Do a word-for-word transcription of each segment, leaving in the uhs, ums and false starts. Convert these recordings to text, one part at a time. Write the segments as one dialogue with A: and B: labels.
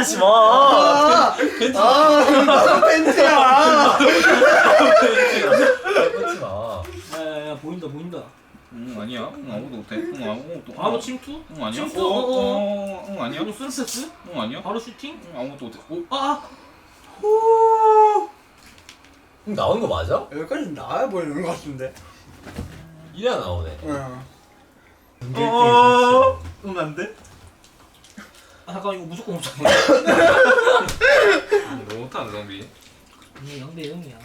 A: 하지 마.
B: 아, 아, 팬티야.
A: 뺏지 마.
C: 야야야 보인다 보인다.
D: 응 아니야. 응 아무도 못해. 응 아무것도.
C: 바로 침투?
D: 응 아니야.
C: 침투?
D: 어,
C: 어어.
D: 어, 응 아니야.
C: 바로 순세트?
D: 응 아니야.
C: 바로 슈팅?
D: 응 아무것도 못해. 오.
C: 아!
A: 형 나오는 거 맞아?
B: 여기까지 나와 보이는 것 같은데.
A: 이래야 나오네.
B: 응.
D: 어. 응 안 돼.
C: 아 잠깐 이거 무조건 없잖아.
D: 너무 못하는 좀비.
C: 이게 영 대 영이야.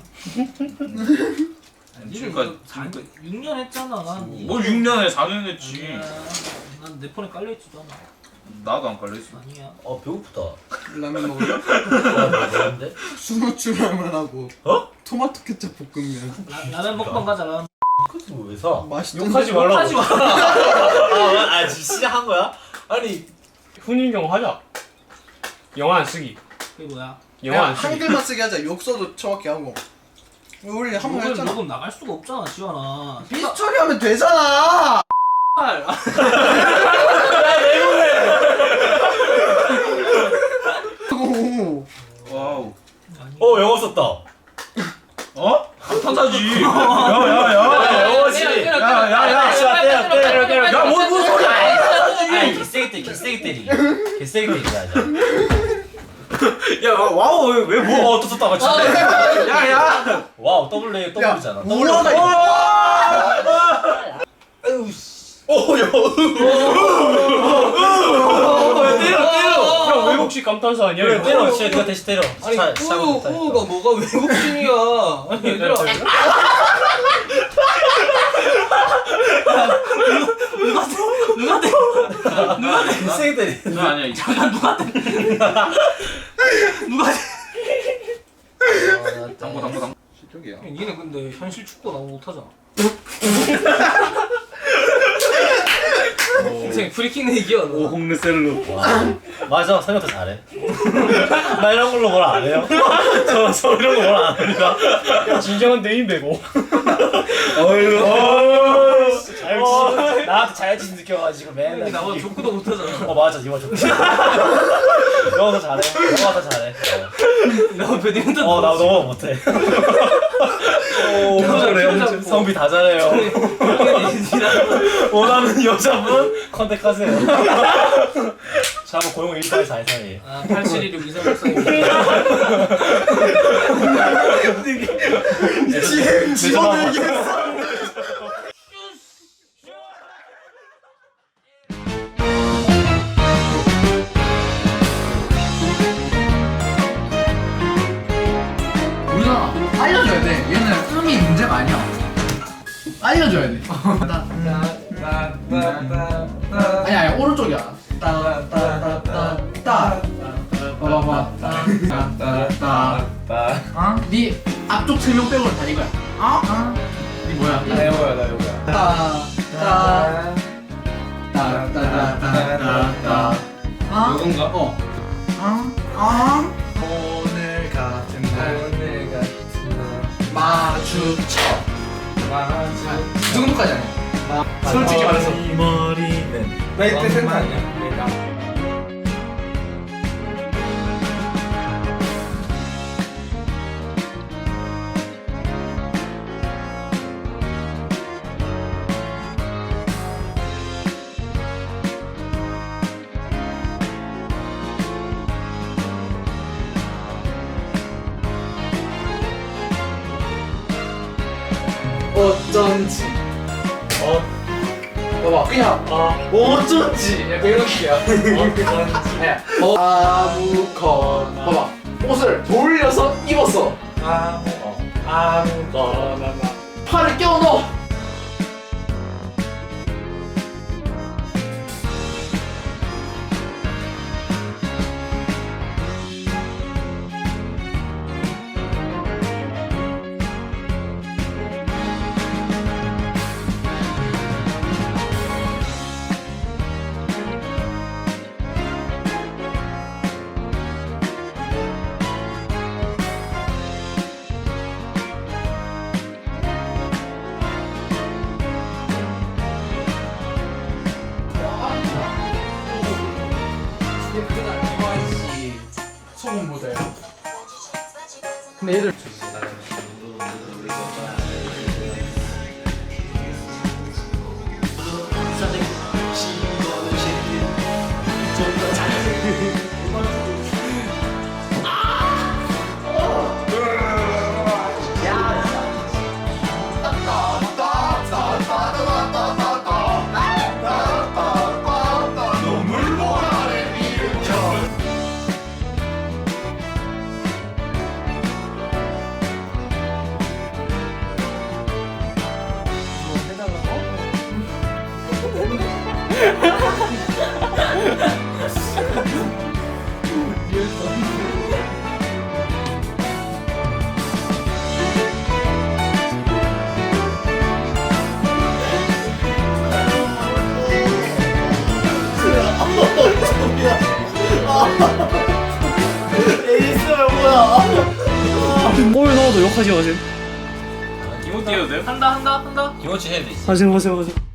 D: 지금까지
C: 육 년 했잖아.
D: 뭐 육 년에 사 년 했지.
C: 난내 폰에 깔려있지도 않아.
D: 나도 안 깔렸어.
C: 아니야.
A: 아 배고프다.
B: 라면 먹을래?
A: 아 뭐는데?
B: 수노추 라면하고
A: 어?
B: 토마토 케첩 볶음면.
C: 라, 라면 먹방 가자 라면.
A: 그래서 왜 사?
B: 맛있던데?
A: 욕하지 말라고.
C: 하지 마.
A: 아, 아 지금 시작한 거야? 아니
E: 훈인경 하자. 영화 안 쓰기.
C: 그게 뭐야?
E: 영화 안 쓰기.
B: 한글만 쓰게 하자. 욕서도 정확히 하고. 우리 한 번
C: 녹음,
B: 했잖아.
C: 녹음 나갈 수가 없잖아 지원아.
B: 비스 처리하면 되잖아.
C: 아,
B: 오.
D: 와우.
A: 어 영어 썼다.
D: 어? 감탄사지. 야야야.
A: 영어지.
D: 야야야.
A: 때려 때려 때려.
D: 야뭔 무슨 소리야?
A: 아이 개세게 때리 개세게 때리. 개세게 때리자.
D: 야 와우 왜뭐
A: 와우 또 썼다가 진짜.
D: 야야.
A: 와우 더블 A 더블이잖아.
B: 우와가
A: 아유 씨. 오 야.
E: 때려 때려. 형 외국식 감탄사 아니야?
A: 그래
E: 이거?
A: 때려. 진짜 네가 대신 때려.
C: 아니
A: 차- 시작을
C: 우우
A: 못하니까.
C: 우우가 뭐가 외국인이야. 아니 얘들아. 누가 대? 누가 대?
A: 개세게 때리.
D: 나 아니야.
C: 잠깐 누가 대? 누가 대?
D: 당구 당구 당구. 실격이야.
C: 니네 근데 현실 축구 너무 못하잖아. 인생 프리킥 내기야 너.
D: 홈르셀로.
A: 맞아 생각도 잘해. 나 이런 걸로 뭘 안 해요? 저, 저 이런 거 뭘 안 합니다.
E: 야, 진정한 대인배고.
A: 어휴 자격지심 나한테 자격지심 느껴가지고 맨날
C: 형이 나보다 족구도 못하잖아.
A: 어 맞아 이거 좀 영어 더 잘해 영어 더 잘해
C: 나 배드민턴.
A: 어나 너무 못해 오 그래 성비 다 잘해요 원하는 여자분 컨택하세요 자 한번 고용 일팔사이사이
C: 아 팔칠일육 이삼육사이.
B: 집어들기 했어. 우리가 알려줘야 돼. 얘는 음이 문제가 아니야. 알려줘야 돼. 아니 아니 오른쪽이야. 따따따따따. 봐봐봐. 따따따. 어? 네 앞쪽 세 명 빼고는 다 이거야. 어? 어? 네 뭐야?
A: 나 이거야 나 이거야
B: 따따. 따따따따따. 어?
D: 누군가?
B: 어. 어? 어? 오늘 같은 날
C: 오늘 같은 날
B: 마주쳐.
C: 마주.
B: 이 정도까지 아니야. 솔직히 말해서.
A: 머리는
B: 나 이때 생각. 어쩐지.
A: 어?
B: 봐봐 그냥 어쩐지 약간 이런 식이야. 어쩐지. 야, 어, 아무거나. 봐봐 옷을 돌려서 입었어.
A: 아무 어 아무거나
B: 팔을 껴 넣어. 근데 얘들
A: 에이스야 뭐야?
E: 골 넣어도 욕하지 마세요.
C: 이모 뛰어도 돼요? 한다 한다 한다.
A: 김호치 해야 되지.
E: 하세요 하세요 하세요.